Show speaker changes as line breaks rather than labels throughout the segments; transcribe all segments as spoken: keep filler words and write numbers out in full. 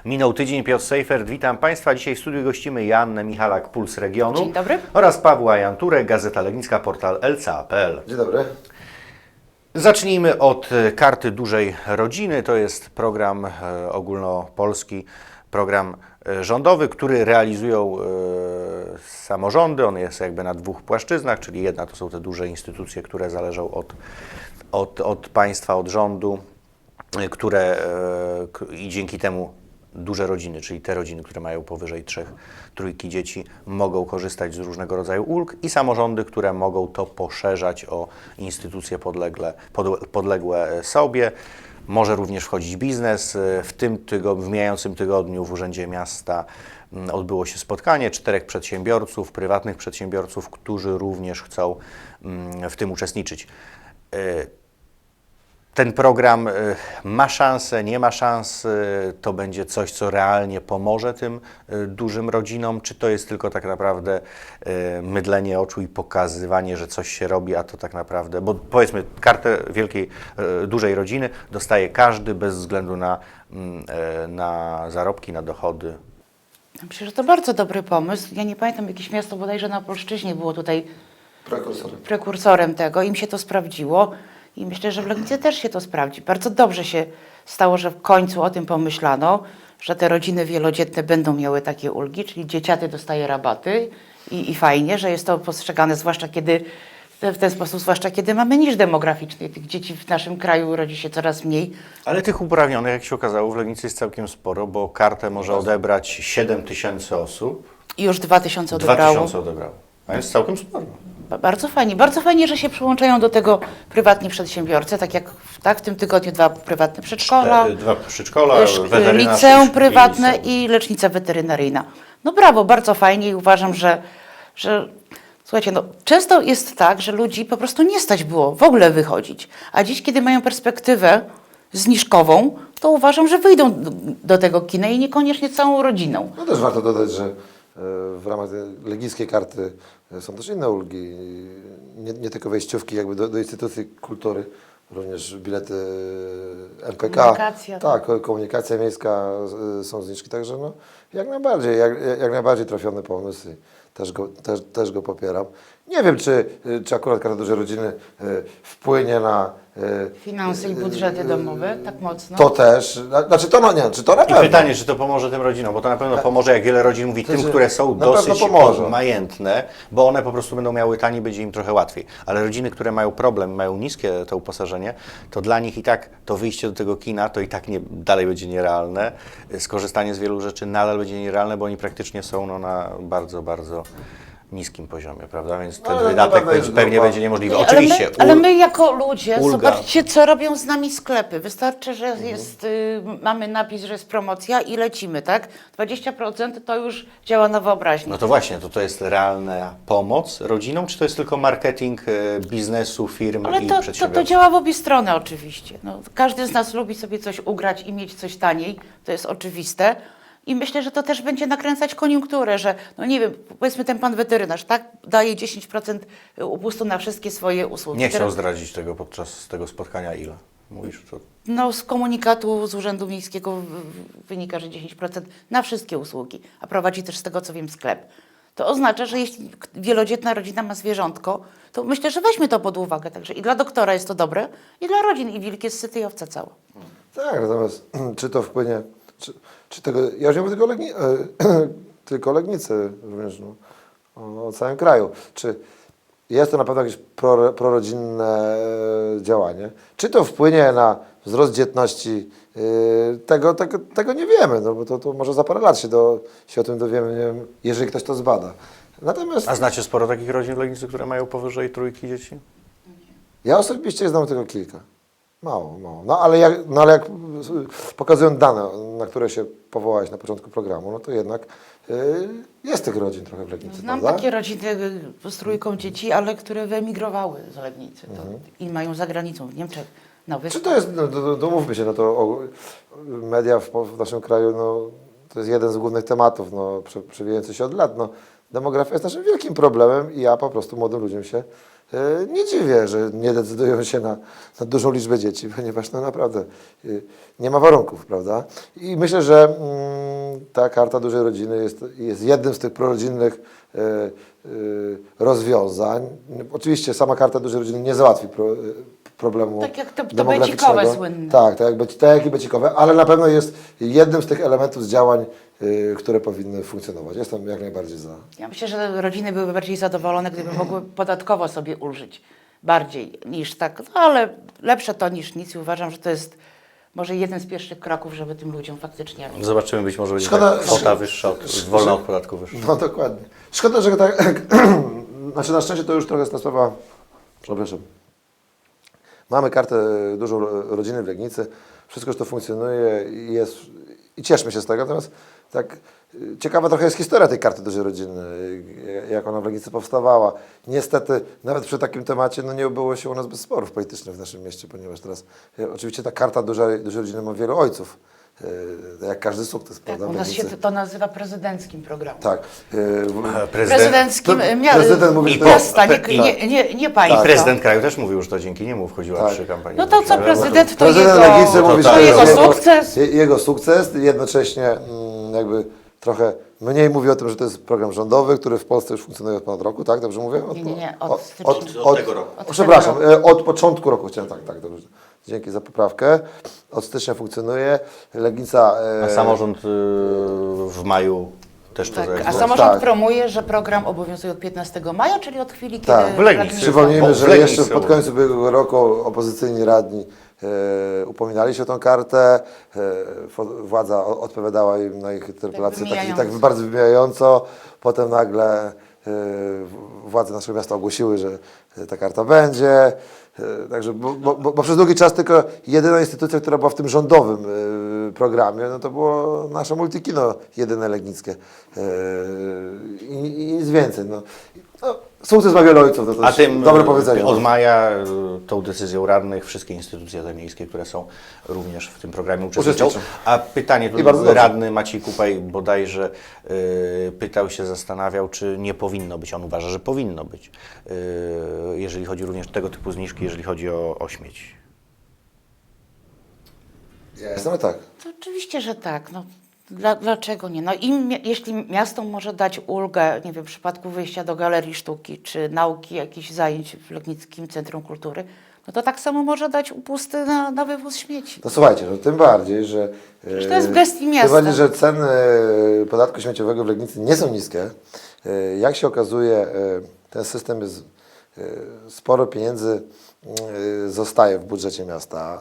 Minął tydzień, Piotr Sejfert, witam Państwa. Dzisiaj w studiu gościmy Joannę Michalak, Puls Regionu.
Dzień dobry.
Oraz Pawła Janturek, Gazeta Legnicka, portal L C A kropka P L.
Dzień dobry.
Zacznijmy od Karty Dużej Rodziny. To jest program e, ogólnopolski, program e, rządowy, który realizują e, samorządy. On jest jakby na dwóch płaszczyznach, czyli jedna to są te duże instytucje, które zależą od, od, od państwa, od rządu, e, które e, k- i dzięki temu duże rodziny, czyli te rodziny, które mają powyżej trzech, trójki dzieci, mogą korzystać z różnego rodzaju ulg i samorządy, które mogą to poszerzać o instytucje podlegle, pod, podległe sobie. Może również wchodzić biznes. W tym tygodniu, w mijającym tygodniu w Urzędzie Miasta mm, odbyło się spotkanie czterech przedsiębiorców, prywatnych przedsiębiorców, którzy również chcą mm, w tym uczestniczyć. Y, Ten program y, ma szansę, nie ma szans, y, to będzie coś, co realnie pomoże tym y, dużym rodzinom, czy to jest tylko tak naprawdę y, mydlenie oczu i pokazywanie, że coś się robi, a to tak naprawdę, bo powiedzmy kartę wielkiej, y, dużej rodziny dostaje każdy bez względu na, mm, y, na zarobki, na dochody.
Myślę, że to bardzo dobry pomysł. Ja nie pamiętam, jakieś miasto bodajże na Polszczyźnie było tutaj
Prekursorem.
prekursorem tego. Im się to sprawdziło i myślę, że w Legnicy też się to sprawdzi. Bardzo dobrze się stało, że w końcu o tym pomyślano, że te rodziny wielodzietne będą miały takie ulgi, czyli dzieciaty dostaje rabaty i, i fajnie, że jest to postrzegane, zwłaszcza kiedy w ten sposób, zwłaszcza kiedy mamy niż demograficzny. Tych dzieci w naszym kraju rodzi się coraz mniej.
Ale tych uprawnionych, jak się okazało, w Legnicy jest całkiem sporo, bo kartę może odebrać siedem tysięcy osób,
I już dwa tysiące
dwa
odebrało.
tysiące odebrało, a jest całkiem sporo.
Ba- Bardzo fajnie. Bardzo fajnie, że się przyłączają do tego prywatni przedsiębiorcy, tak jak w- tak, w tym tygodniu dwa prywatne przedszkola,
Te- Dwa przedszkola,
sz-
weterynarz
liceum
i
prywatne
liceum.
i lecznica weterynaryjna. No brawo, bardzo fajnie i uważam, że, że słuchajcie, no, często jest tak, że ludzi po prostu nie stać było w ogóle wychodzić, a dziś, kiedy mają perspektywę zniżkową, to uważam, że wyjdą do, do tego kina i niekoniecznie całą rodziną.
No też warto dodać, że e, w ramach tej legnickiej karty e, są też inne ulgi. Nie, nie tylko wejściówki jakby do, do instytucji kultury, również bilety M P K.
Komunikacja,
Tak, ko- komunikacja miejska, e, są zniżki, także no jak najbardziej, jak, jak najbardziej trafiony pomysł i też go, też, też go popieram. Nie wiem, czy, czy akurat Karta Dużej Rodziny e, wpłynie na e,
Finanse i budżety domowe, tak mocno.
to też, na- znaczy to no nie, czy to na
I
pewno.
pytanie, czy to pomoże tym rodzinom, bo to na pewno pomoże, jak wiele rodzin mówi, tym,
Znaczy,
które są
na
dosyć
pewno pomoże.
majętne, bo one po prostu będą miały taniej, będzie im trochę łatwiej. Ale rodziny, które mają problem, mają niskie to uposażenie, to dla nich i tak to wyjście do tego kina, to i tak nie, dalej będzie nierealne. Skorzystanie z wielu rzeczy nadal będzie nierealne, bo oni praktycznie są no, na bardzo, bardzo niskim poziomie, prawda? Więc ten
No, ale
wydatek
na pewno
będzie,
jest
pewnie
grupa.
będzie niemożliwy.
Nie,
Oczywiście.
Ale my, ale
ul-
my jako ludzie,
ulga.
zobaczcie, co robią z nami sklepy. Wystarczy, że
Mhm.
jest, y, mamy napis, że jest promocja i lecimy, tak? dwadzieścia procent to już działa na wyobraźnię.
No to właśnie, to to jest realna pomoc rodzinom, czy to jest tylko marketing e, biznesu, firm
Ale
i
to, to,
przedsiębiorców?
to działa w obie strony oczywiście. No, każdy z nas lubi sobie coś ugrać i mieć coś taniej, to jest oczywiste. I myślę, że to też będzie nakręcać koniunkturę, że no nie wiem, powiedzmy ten pan weterynarz, tak, daje dziesięć procent upustu na wszystkie swoje usługi.
Nie chciał
Teraz-
zdradzić tego podczas tego spotkania, ile? Mówisz, to
No z komunikatu z Urzędu Miejskiego w- w- wynika, że dziesięć procent na wszystkie usługi, a prowadzi też z tego, co wiem, sklep. To oznacza, że jeśli k- wielodzietna rodzina ma zwierzątko, to myślę, że weźmie to pod uwagę. Także i dla doktora jest to dobre, i dla rodzin, i wilk jest syty i owca cała.
Tak, natomiast czy to wpłynie, czy, czy tego, ja już nie mówię tylko, Legni, e, tylko Legnicy również, no, o, o całym kraju. Czy jest to na pewno jakieś pro, prorodzinne e, działanie? Czy to wpłynie na wzrost dzietności? E, tego, tego, tego nie wiemy, no, bo to, to może za parę lat się, do, się o tym dowiemy, nie wiem, jeżeli ktoś to zbada. Natomiast
A znacie sporo takich rodzin w Legnicy, które mają powyżej trójki dzieci?
ja osobiście znam tylko kilka. Mało, mało. No ale jak, no, ale jak pokazują dane, na które się powołałeś na początku programu, no to jednak y, jest tych rodzin trochę w Legnicy,
Znam
prawda?
takie rodziny y, z trójką dzieci, ale które wyemigrowały z Legnicy to, i mają za granicą, w Niemczech, na
Czy
Wyspach.
to jest, no, to, to mówmy się, no to o, media w, w naszym kraju, no to jest jeden z głównych tematów, no prze, przewijający się od lat, no demografia jest naszym wielkim problemem i ja po prostu młodym ludziom się y, nie dziwię, że nie decydują się na, na dużą liczbę dzieci, ponieważ no naprawdę y, nie ma warunków, prawda? I myślę, że ta karta dużej rodziny jest, jest jednym z tych prorodzinnych e, e, rozwiązań. Oczywiście sama karta dużej rodziny nie załatwi pro, problemu
Tak jak to- to
demograficznego.
becikowe słynne.
Tak, tak jak, bec- tak jak i becikowe, ale na pewno jest jednym z tych elementów z działań, y, które powinny funkcjonować. Jestem jak najbardziej za.
Ja myślę, że rodziny byłyby bardziej zadowolone, gdyby mogły podatkowo sobie ulżyć bardziej niż tak, no ale lepsze to niż nic i uważam, że to jest może jeden z pierwszych kroków, żeby tym ludziom faktycznie...
Zobaczymy, być może będzie
Szkoda,
tak kwota
że-
wyższa, od,
że-
wolna od podatku wyższa.
No dokładnie. Szkoda, że tak. Znaczy na szczęście to już trochę jest ta sprawa. Przepraszam. Mamy kartę dużą rodziny w Legnicy. Wszystko już to funkcjonuje i jest. I cieszmy się z tego. Natomiast tak y, ciekawa trochę jest historia tej karty dużej rodziny, y, jak ona w Legnicy powstawała. Niestety, nawet przy takim temacie no, nie obyło się u nas bez sporów politycznych w naszym mieście, ponieważ teraz y, oczywiście ta karta dużej, dużej rodziny ma wielu ojców. y, Jak każdy sukces,
Tak,
prawda?
u
w
nas się
Legnicy.
to nazywa prezydenckim programem.
Tak. y, w-
Prezydenckim
Pre-
mia-
prezydent mówi, że to
miasta, nie,
jest-
nie, nie, nie
I
państwa.
prezydent kraju też mówił, że to dzięki niemu wchodziła
Tak.
przy kampanii.
No to co,
wyborczej.
prezydent to
Prezydent
jego,
Legnicy mówi, że
to
to
jego
jest
sukces.
je- Jego sukces, jednocześnie mm, jakby trochę mniej mówi o tym, że to jest program rządowy, który w Polsce już funkcjonuje od ponad roku, tak? Dobrze mówię?
Nie, nie, nie, od
od,
stycznia.
od,
Od tego roku.
Od
Przepraszam,
tego
e, od początku roku chciałem, tak, tak, dobrze. Dzięki za poprawkę. Od stycznia funkcjonuje. Legnica... e,
A samorząd y, w maju też to
Tak, a
zarejestrował.
samorząd
Tak.
promuje, że program obowiązuje od piętnastego maja, czyli od chwili,
Tak,
kiedy...
w Legnicy.
radni-
Przypomnijmy,
Bo w
że
Legnicy
jeszcze pod koniec ubiegłego roku opozycyjni radni e, upominali się o tą kartę. E, fo- władza o- odpowiadała im na ich interpelacje tak, tak,
wymijająco.
tak bardzo wymijająco. Potem nagle e, w- władze naszego miasta ogłosiły, że e, ta karta będzie. E, Także, bo, bo, bo, bo przez długi czas tylko jedyna instytucja, która była w tym rządowym e, programie, no to było nasze multikino jedyne legnickie. E, I, I nic więcej. No. No, sukces ma wiele ojców, to, to
A
jest
tym
dobre
y,
powiedzenie.
od maja y, tą decyzją radnych wszystkie instytucje te miejskie, które są również w tym programie uczestniczą.
Uczestniczą.
A pytanie,
I bardzo
tu
dobrze.
radny Maciej Kupaj bodajże y, pytał się, zastanawiał, czy nie powinno być. On uważa, że powinno być, y, jeżeli chodzi również o tego typu zniżki, jeżeli chodzi o, o śmieci.
Ja jestem tak.
To oczywiście, że tak. No, dla, dlaczego nie? No im, mia- jeśli miasto może dać ulgę, nie wiem, w przypadku wyjścia do galerii sztuki czy nauki, jakichś zajęć w Legnickim Centrum Kultury, no to tak samo może dać upusty na, na wywóz śmieci.
No słuchajcie, no tym bardziej, że...
Przecież to jest w
e,
gestii miasta.
Tym bardziej, że ceny e, podatku śmieciowego w Legnicy nie są niskie. E, Jak się okazuje, e, ten system jest... e, Sporo pieniędzy e, zostaje w budżecie miasta.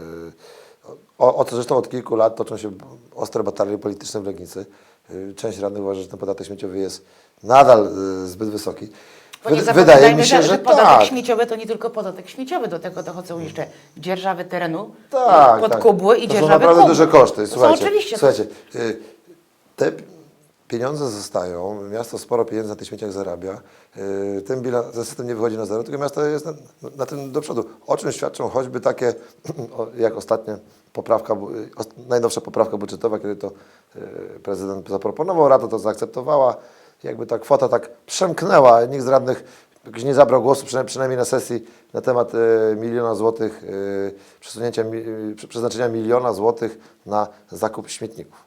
E, O, o co zresztą od kilku lat toczą się ostre batalie polityczne w Legnicy. E, Część radnych uważa, że ten podatek śmieciowy jest nadal e, zbyt wysoki.
Bo nie
Wy-
zapominajmy,
Wydaje mi się,
że,
że
że podatek
tak.
śmieciowy to nie tylko podatek śmieciowy, do tego dochodzą jeszcze dzierżawy terenu,
Tak,
podkubły
tak.
i
To są
dzierżawy
naprawdę
kubły.
duże koszty.
To są
Słuchajcie,
oczywiście.
słuchajcie, y, te pieniądze zostają, miasto sporo pieniędzy na tych śmieciach zarabia, y, ten, bilans, ten system nie wychodzi na zero, tylko miasto jest na, na tym do przodu. O czym świadczą choćby takie, o, jak ostatnia poprawka, bu- y, os- najnowsza poprawka budżetowa, kiedy to y, prezydent zaproponował, Rada to zaakceptowała, jakby ta kwota tak przemknęła, nikt z radnych jakoś nie zabrał głosu, przynajmniej, przynajmniej na sesji, na temat e, miliona złotych, e, przesunięcia, mi, e, prze- przeznaczenia miliona złotych na zakup śmietników.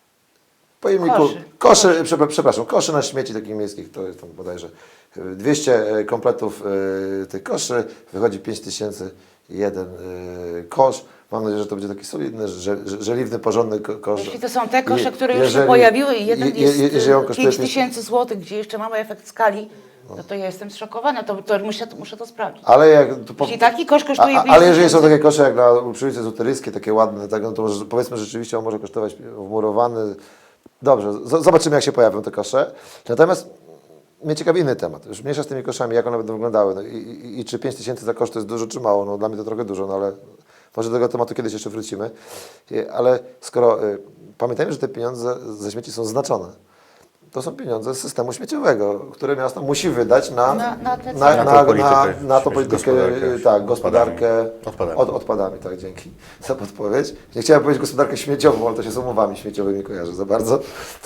Pojemniku,
Koszy.
koszy, przepra- przepraszam, koszy na śmieci takich miejskich, to jest tam bodajże e, dwieście kompletów e, tych koszy, wychodzi pięć tysięcy jeden e, kosz. Mam nadzieję, że to będzie taki solidny, że, że, żeliwny, porządny ko- kosz.
Jeśli to są te kosze,
I-
które już się
jeżeli-
pojawiły i jeden
je- je-
jest
jeżeli on kosztuje
pięć tysięcy złotych, gdzie jeszcze mamy efekt skali, no to ja jestem zszokowana, to, to muszę, muszę to sprawdzić.
Ale jak... To po,
Jeśli taki kosz
a,
kosztuje
a,
pięć
ale jeżeli są
tysięcy,
takie kosze jak na przy ulicy Ezoteryczskiej, takie ładne, tak, no to może, powiedzmy rzeczywiście on może kosztować wmurowany. Dobrze, z- zobaczymy jak się pojawią te kosze. Natomiast mnie ciekawi inny temat. Już mniejsza z tymi koszami, jak one będą wyglądały. No i, i, I czy pięć tysięcy za kosz to jest dużo czy mało? No dla mnie to trochę dużo, no ale może do tego tematu kiedyś jeszcze wrócimy. I- Ale skoro y, pamiętajmy, że te pieniądze ze śmieci są znaczone. To są pieniądze z systemu śmieciowego, które miasto musi wydać na,
Na- na te
na,
cele.
na,
Na
na,
tą politykę,
na tą
śmieci-
politykę,
gospodarkę
tak, gospodarkę
odpadami.
Od, odpadami, tak, dzięki za podpowiedź. Nie chciałem powiedzieć gospodarkę śmieciową, ale to się z umowami śmieciowymi kojarzy za bardzo.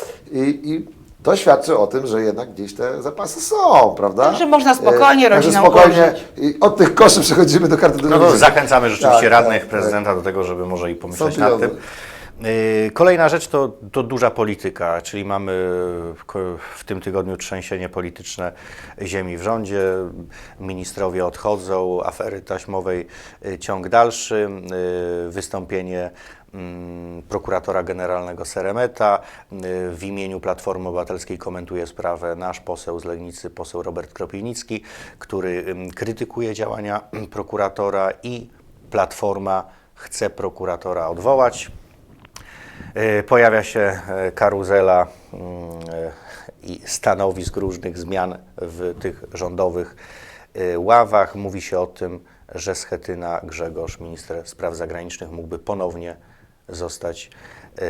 I, i to świadczy o tym, że jednak gdzieś te zapasy są, prawda?
Także można spokojnie
E, także
rodzinom
spokojnie
ulżyć.
i od tych koszy przechodzimy do karty
No to
dużej.
zachęcamy rzeczywiście
Tak,
radnych,
tak,
prezydenta do tego, żeby może i pomyśleć
Są
nad
pieniądze.
tym. Yy, Kolejna rzecz to, to duża polityka, czyli mamy ko- w tym tygodniu trzęsienie polityczne ziemi w rządzie, ministrowie odchodzą, afery taśmowej yy, ciąg dalszy, yy, wystąpienie mm, prokuratora generalnego Seremeta. Yy, W imieniu Platformy Obywatelskiej komentuje sprawę nasz poseł z Legnicy, poseł Robert Kropiwnicki, który ym, krytykuje działania prokuratora i Platforma chce prokuratora odwołać. E, Pojawia się e, karuzela mm, e, i stanowisk różnych zmian w tych rządowych e, ławach. Mówi się o tym, że Schetyna Grzegorz, minister spraw zagranicznych, mógłby ponownie zostać e,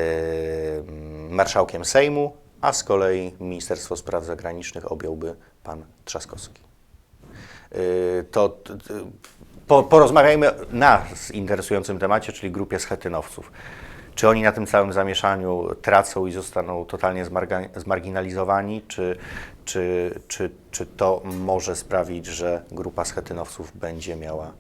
marszałkiem Sejmu, a z kolei Ministerstwo Spraw Zagranicznych objąłby pan Trzaskowski. E, To t- t- po, porozmawiajmy na interesującym temacie, czyli grupie schetynowców. Czy oni na tym całym zamieszaniu tracą i zostaną totalnie zmarga- zmarginalizowani, czy, czy, czy, czy to może sprawić, że grupa schetynowców będzie miała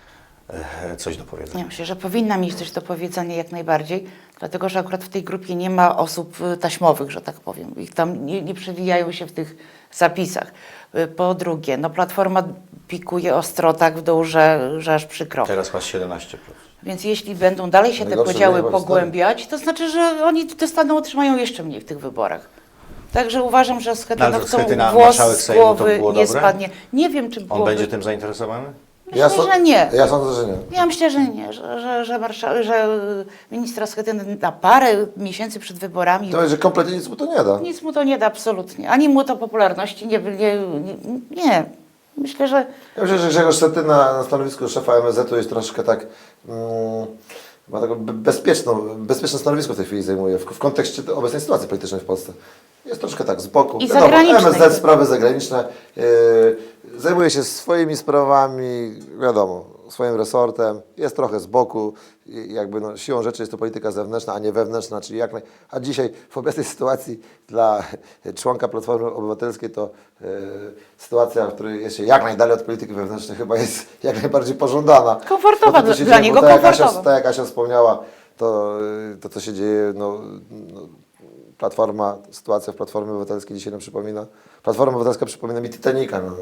e, coś do powiedzenia?
Ja myślę, że powinna mieć coś do powiedzenia jak najbardziej, dlatego że akurat w tej grupie nie ma osób y, taśmowych, że tak powiem. Ich tam nie, nie przewijają się w tych zapisach. Y, Po drugie, no Platforma pikuje ostro tak w dół, że, że aż przykro.
Teraz masz siedemnaście procent.
Więc jeśli będą dalej się te
Najgorsze
podziały
wynik w historii.
pogłębiać, to znaczy, że oni dostaną, otrzymają jeszcze mniej w tych wyborach. Także uważam, że z
No, ale
Schetynowcą
Schetyna,
włos
marszałek
z
Sejmu, to
głowy
było
nie
dobre?
spadnie. Nie wiem, czy
On
byłoby...
będzie tym zainteresowany?
Myślę,
so-
że nie.
Ja sądzę, że nie.
Ja myślę, że nie, że, że, że, marsza, że ministra Schetyny na parę miesięcy przed wyborami
To że kompletnie nic mu to nie da.
nic mu to nie da absolutnie. Ani mu to popularności nie... Nie, nie, nie. Myślę, że
Ja myślę, że Grzegorz Schetyna na stanowisku szefa M S Z-u jest troszeczkę tak, mm, ma taką be- bezpieczną, bezpieczne stanowisko w tej chwili zajmuje w, w kontekście tej obecnej sytuacji politycznej w Polsce. Jest troszkę tak z boku.
I
Wiadomo,
zagranicznej.
M S Z, sprawy zagraniczne, yy, zajmuje się swoimi sprawami, wiadomo, swoim resortem, jest trochę z boku, i jakby no, siłą rzeczy jest to polityka zewnętrzna, a nie wewnętrzna, czyli jak naj... A dzisiaj w obecnej sytuacji dla członka Platformy Obywatelskiej to yy, sytuacja, w której jest się jak najdalej od polityki wewnętrznej, chyba jest jak najbardziej pożądana.
Komfortowa
To, co się
dla
dzieje,
niego,
bo tak jak Asia,
komfortowa.
tak jak Asia wspomniała, to, yy, to co się dzieje, no, no Platforma, sytuacja w Platformie Obywatelskiej dzisiaj nam przypomina. Platforma Obywatelska przypomina mi Titanica, no,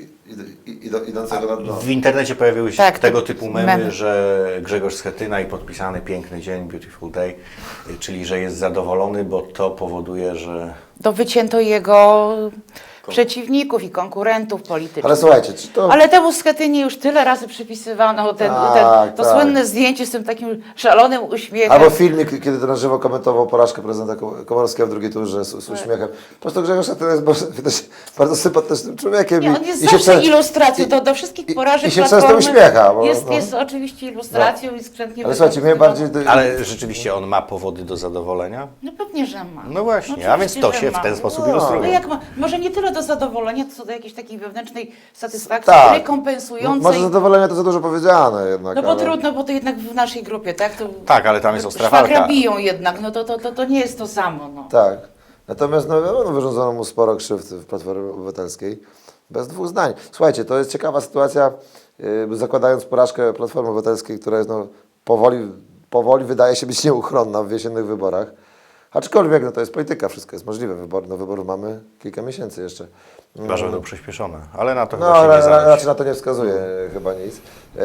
i, i, i, idącego na dno.
W internecie pojawiły się
Tak,
tego
to
typu memy,
memy.
że Grzegorz Schetyna i podpisany piękny dzień, beautiful day, czyli że jest zadowolony, bo to powoduje, że
to wycięto jego przeciwników i konkurentów politycznych.
Ale słuchajcie, czy to...
Ale temu Schetynie już tyle razy przypisywano ten,
Tak,
ten, to
tak.
słynne zdjęcie z tym takim szalonym uśmiechem.
Albo filmik, kiedy to na żywo komentował porażkę prezydenta Ko- Komorowskiego w drugiej turze z, z
Tak.
uśmiechem. Po prostu Grzegorz Schetyna jest bardzo, też bardzo sympatycznym człowiekiem.
Nie,
i-
on jest
i się
zawsze
prze-
ilustracją
i-
do, do wszystkich
i-
porażek
I się
Platformy.
często uśmiecha. Bo,
Jest,
no.
jest oczywiście ilustracją i skrzętnie
Ale słuchajcie, mnie
wykorzystywaną.
bardziej...
ale rzeczywiście on ma powody do zadowolenia?
No pewnie, że ma.
No właśnie,
No
a więc to
oczywiście,
się
że
w ten
ma.
sposób
No.
No
ilustruje.
jak ma, może nie tyle do zadowolenia, co do jakiejś takiej wewnętrznej satysfakcji,
Tak.
rekompensującej.
Może zadowolenie to za dużo powiedziane jednak.
No bo
ale...
trudno, bo to jednak w naszej grupie, tak? To
Tak, ale tam jest ostra
szwagra
walka.
biją jednak, no to, to, to, to nie jest to samo. No.
Tak. Natomiast no, wiadomo, wyrządzono mu sporo krzywd w Platformie Obywatelskiej. Bez dwóch zdań. Słuchajcie, to jest ciekawa sytuacja, yy, zakładając porażkę Platformy Obywatelskiej, która jest no, powoli, powoli wydaje się być nieuchronna w jesiennych wyborach. Aczkolwiek no, to jest polityka, wszystko jest możliwe. Wybor, no, wyborów mamy kilka miesięcy jeszcze.
Chyba, że będą przyspieszone, ale na to
No,
chyba się
ra,
nie
ra,
zanosi.
raczej na to nie wskazuje chyba nic.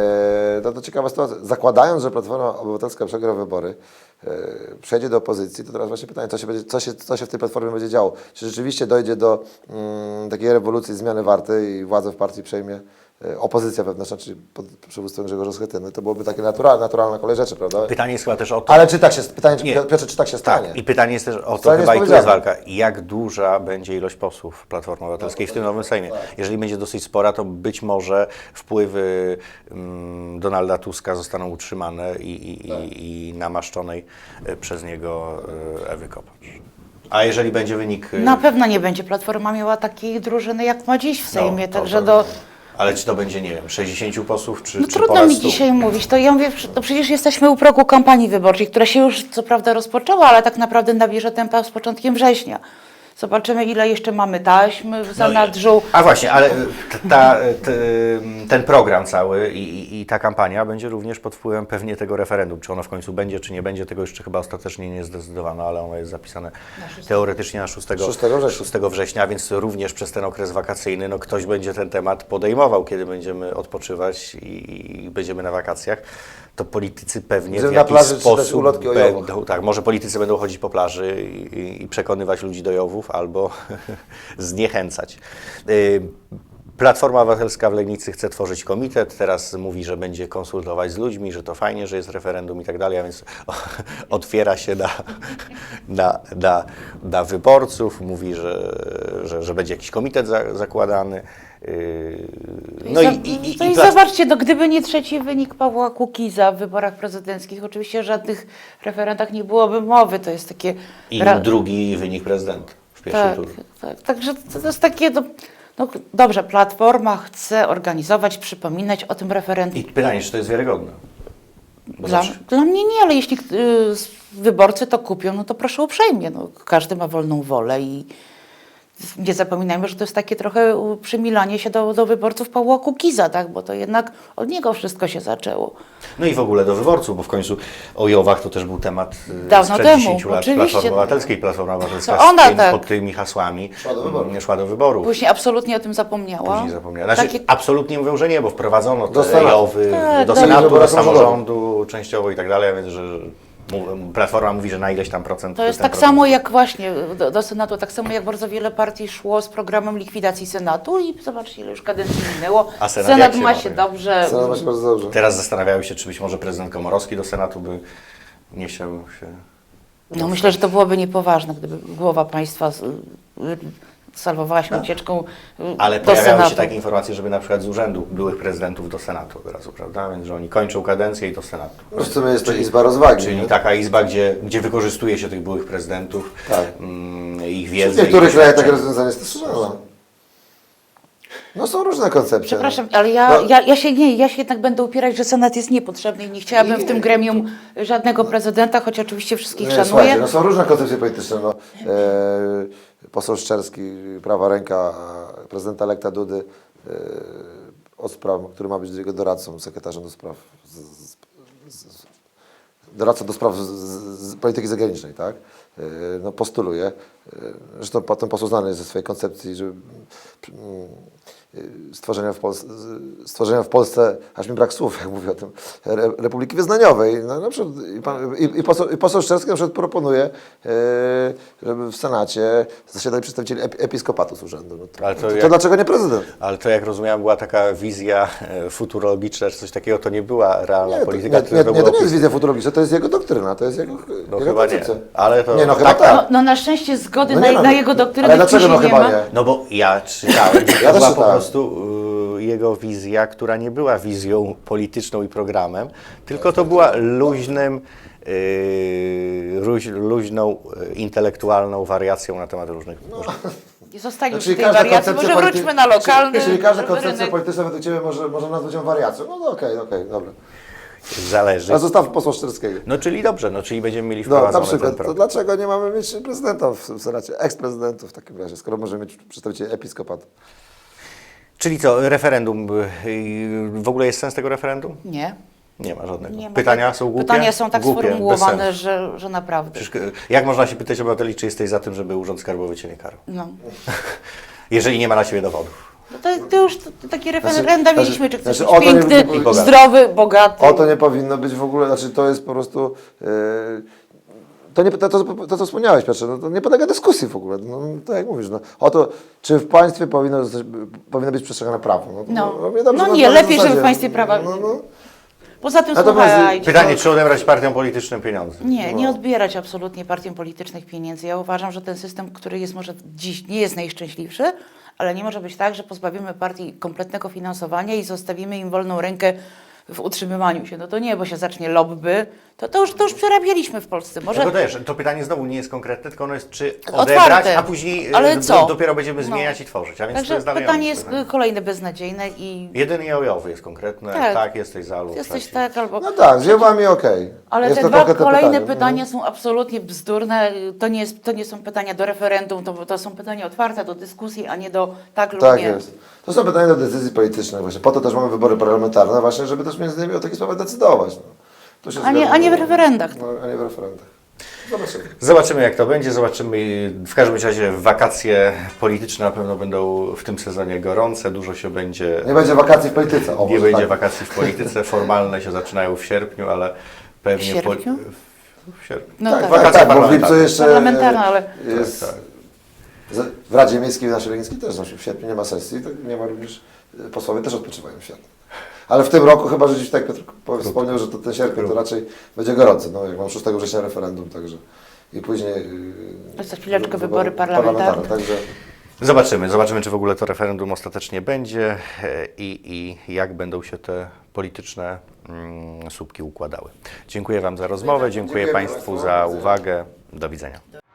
E, to, to ciekawa sytuacja. Zakładając, że Platforma Obywatelska przegra wybory, e, przejdzie do opozycji, to teraz właśnie pytanie, co się, będzie, co, się, co się w tej Platformie będzie działo? Czy rzeczywiście dojdzie do mm, takiej rewolucji, zmiany warty i władzę w partii przejmie e, opozycja wewnętrzna, czyli pod przywództwem Grzegorza Schetyny? To byłoby takie naturalne, naturalna kolej rzeczy, prawda?
Pytanie jest chyba też o to,
Ale czy tak się, pytanie, czy,
Nie.
Piotrze, czy tak się stanie?
tak, i pytanie jest też o to
Wcale nie
chyba, i
jest
tu jest
powiedziane.
walka, jak duża będzie ilość posłów Platformy Obywatelskiej w tym nowym Sejmie. Jeżeli będzie dosyć spora, to być może wpływy mm, Donalda Tuska zostaną utrzymane i, i, i, i namaszczonej e, przez niego e, Ewy Kopacz. A jeżeli będzie wynik... e,
Na pewno nie będzie Platforma miała takiej drużyny, jak ma dziś w Sejmie,
to-
także
to-
do...
Ale czy to będzie, nie wiem, sześćdziesięciu posłów, czy,
No
czy
trudno
ponad
mi
stu?
dzisiaj mówić, to ja mówię, no przecież jesteśmy u progu kampanii wyborczej, która się już co prawda rozpoczęła, ale tak naprawdę nabierze tempa z początkiem września. Zobaczymy, ile jeszcze mamy taśm w
No i-
zanadrzu.
A właśnie, ale ta, t, ten program cały i, i- i ta kampania będzie również pod wpływem pewnie tego referendum. Czy ono w końcu będzie, czy nie będzie, tego jeszcze chyba ostatecznie nie zdecydowano, ale ono jest zapisane teoretycznie na szóstego
września.
szóstego września, więc również przez ten okres wakacyjny no, ktoś będzie ten temat podejmował, kiedy będziemy odpoczywać i, i będziemy na wakacjach. To politycy pewnie
Będziemy
w
na
jakiś
plaży czytać
sposób
ulotki o Jowach.
będą, tak, może politycy będą chodzić po plaży i, i przekonywać ludzi do Jowów albo zniechęcać. Y, Platforma Obywatelska w Legnicy chce tworzyć komitet, teraz mówi, że będzie konsultować z ludźmi, że to fajnie, że jest referendum i tak dalej, a więc otwiera się na, na, na, na wyborców, mówi, że, że, że będzie jakiś komitet za, zakładany. Yy,
No i, i, i, i zobaczcie, no, gdyby nie trzeci wynik Pawła Kukiza w wyborach prezydenckich, oczywiście o żadnych referendach nie byłoby mowy. To jest takie...
I
ra-
drugi wynik prezydenta w pierwszym
tak,
turze.
tak, także to, to jest takie... No, no, dobrze, Platforma chce organizować, przypominać o tym referendum.
I pytanie, czy to jest wiarygodne? Bo
Dla,
zawsze-
dla mnie nie, ale jeśli y, s- wyborcy to kupią, no to proszę uprzejmie. No, każdy ma wolną wolę i nie zapominajmy, że to jest takie trochę u, przymilanie się do, do wyborców Pawła Kukiza, tak? Bo to jednak od niego wszystko się zaczęło.
No i w ogóle do wyborców, bo w końcu o Jowach to też był temat y,
Dawno
sprzed
temu,
dziesięciu lat
oczywiście.
Platformy Obywatelskiej. Platforma Obywatelska
To ona
z tym,
tak.
pod tymi hasłami
Szła do wyborów.
mm, szła do wyborów.
Później absolutnie o tym zapomniała.
Później zapomniała. Znaczy,
Takie,
absolutnie mówią, że nie, bo wprowadzono
Do
te
Senatu.
Jowy
Tak,
do
do
Senatu, do
wyborów
samorządu częściowo i tak dalej, więc że mów- Platforma mówi, że na ileś tam procent.
to jest
ten
tak
procent-
samo jak właśnie do, do Senatu, tak samo jak bardzo wiele partii szło z programem likwidacji Senatu i zobaczcie, ile już kadencji minęło.
A Senat jak się
ma
ma?
się dobrze.
Senat ma się bardzo dobrze.
Teraz zastanawiały się, czy być może prezydent Komorowski do Senatu by nie chciał się...
No myślę, że to byłoby niepoważne, gdyby głowa państwa z- y, salwowała się ucieczką y,
Ale
do
pojawiały
Senatu.
się takie informacje, żeby na przykład z urzędu byłych prezydentów do Senatu od razu, prawda? Więc że oni kończą kadencję i do Senatu.
No w sumie jest to izba rozwagi.
Czyli
nie?
taka izba, gdzie, gdzie wykorzystuje się tych byłych prezydentów,
Tak.
mm, ich
W
wiedzę.
niektórych
ich
krajach takie
doświadczenie.
rozwiązanie jest stosowane. No są różne koncepcje.
Przepraszam,
no.
ale ja,
No,
ja, ja, się nie, ja się jednak będę upierać, że Senat jest niepotrzebny i nie chciałabym w tym gremium żadnego prezydenta, choć oczywiście wszystkich
nie,
szanuję.
słuchajcie, no są różne koncepcje polityczne. No. E, poseł Szczerski, prawa ręka prezydenta elekta Dudy, e, od spraw, który ma być jego doradcą, sekretarzem do spraw, z, z, z, doradcą do spraw z, z, z polityki zagranicznej, tak? E, no postuluje. E, zresztą potem poseł znany jest ze swojej koncepcji, że mm, stworzenia w, Polsce, stworzenia w Polsce, aż mi brak słów, jak mówię o tym, re, Republiki Wyznaniowej. No, na przykład, i, pan, i, i, poseł, I poseł Szczerski na przykład proponuje, e, żeby w Senacie zasiadali przedstawicieli ep, episkopatu z urzędu. No to,
Ale to
to, to
jak-
dlaczego nie prezydent?
Ale to jak rozumiałem, była taka wizja e, futurologiczna, czy coś takiego, to nie była realna
Nie, to,
polityka,
nie,
tylko
nie,
to
nie,
było
to nie jest
opis-
wizja futurologiczna, to jest jego doktryna, to jest jego,
No
jego
chyba nie,
koncepcja.
ale to...
Nie, no chyba
tak,
tak.
No, no na szczęście zgody
No
na,
nie no,
na jego doktrynę
ale
w
dlaczego
PiSie
no
nie
chyba
ma.
nie?
No bo ja czytałem, że to
Ja też
była po
czytałem.
prostu y, jego wizja, która nie była wizją polityczną i programem, tylko to była luźnym, y, luź, luźną, y, intelektualną wariacją na temat różnych...
I zostańmy
Czyli
przy tej wariacji, może
polity-
wróćmy na lokalny
Czyli, czyli każda koncepcja
rynek.
polityczna według Ciebie może, może nazwać ją wariacją. No no, okej, okej, dobra.
Zależy.
A zostaw posła Szczerskiego.
No czyli dobrze, no czyli będziemy mieli
No, na
wprowadzony
przykład,
ten
to
program.
dlaczego nie mamy mieć prezydenta w, w Senacie, eksprezydentów w takim razie, skoro możemy mieć przedstawicieli episkopatu?
Czyli co, referendum, y, w ogóle jest sens tego referendum?
Nie.
Nie ma żadnego.
Nie ma
Pytania
tak-
są głupie?
Pytania są tak
Głupie, bez
sformułowane,
sensu.
że, że naprawdę.
Przecież, y, jak można się pytać obywateli, czy jesteś za tym, żeby Urząd Skarbowy Cię nie karał?
No.
Jeżeli nie ma na Ciebie dowodów.
No to, to już to, to takie referenda
Znaczy-
mieliśmy, czy chcesz
znaczy,
być
o to nie-
piękny,
nie-
bogaty.
zdrowy, bogaty.
O to nie powinno być w ogóle, znaczy to jest po prostu... Yy, to, nie, to, to, to, co wspomniałeś, Piotrze, no, to nie podlega dyskusji w ogóle. No, tak jak mówisz, no, o to, czy w państwie powinno, zostać, powinno być przestrzegane prawo. No, to-
No.
mnie dobrze
No
na-
nie,
na
lepiej, żeby
zasadzie.
w państwie prawa-
No, no.
Poza tym
Natomiast-
słuchajcie.
Pytanie, czy odebrać partiom politycznym pieniądze?
Nie, nie odbierać absolutnie partiom politycznych pieniędzy. Ja uważam, że ten system, który jest może dziś nie jest najszczęśliwszy, ale nie może być tak, że pozbawimy partii kompletnego finansowania i zostawimy im wolną rękę w utrzymywaniu się. No to nie, bo się zacznie lobby, To, to, już, to już przerabialiśmy w Polsce. Może
Tylko też, to pytanie znowu nie jest konkretne, tylko ono jest czy
Otwarte.
odebrać, a później
Ale
do,
co?
dopiero będziemy
No.
zmieniać i tworzyć. A więc to
Także
jest dalej
pytanie
ono,
jest
pytanie.
kolejne beznadziejne i
Jedyny jajowy jest konkretny, tak,
Tak.
tak jesteś za lub
jesteś
przeciw.
tak albo...
No tak, z jawami okej.
Ale
Jest
te
to
dwa
konkretne
kolejne
pytanie.
pytania są absolutnie bzdurne. To nie, jest, to nie są pytania do referendum, to, to są pytania otwarte do dyskusji, a nie do tak lub
Tak
nie.
jest. To są pytania do decyzji politycznych właśnie. Po to też mamy wybory parlamentarne właśnie, żeby też między innymi o takich sprawach decydować. No. Tu się
A nie-
zgadzam.
a nie w referendach.
No, a nie w referendach. Zobaczymy.
Zobaczymy, jak to będzie, zobaczymy. W każdym razie wakacje polityczne na pewno będą w tym sezonie gorące, dużo się będzie...
Nie będzie wakacji w polityce. O,
Nie
może
będzie
tak.
wakacji w polityce, formalne się zaczynają w sierpniu, ale pewnie...
W sierpniu?
W, w sierpniu.
No
Tak,
tak.
tak,
Wakacje
tak, bo w
parlamentarne.
lipcu jeszcze
Parlamentarne, ale-
jest,
Tak, tak.
z- w Radzie Miejskiej naszej Legnickiej też znaczy w sierpniu nie ma sesji, tak nie ma również, posłowie też odpoczywają w sierpniu. Ale w tym roku chyba, że gdzieś tak Piotr po- wspomniał, że to ten sierpień to raczej będzie gorący, no jak mam szóstego września referendum, także i później yy,
Za chwileczkę
wy-
wybory parlamentarne.
Także
Zobaczymy, zobaczymy, czy w ogóle to referendum ostatecznie będzie e, i, i jak będą się te polityczne mm, słupki układały. Dziękuję Wam za rozmowę, dziękuję
Dziękuję
Państwu
Państwu.
za uwagę. Do widzenia.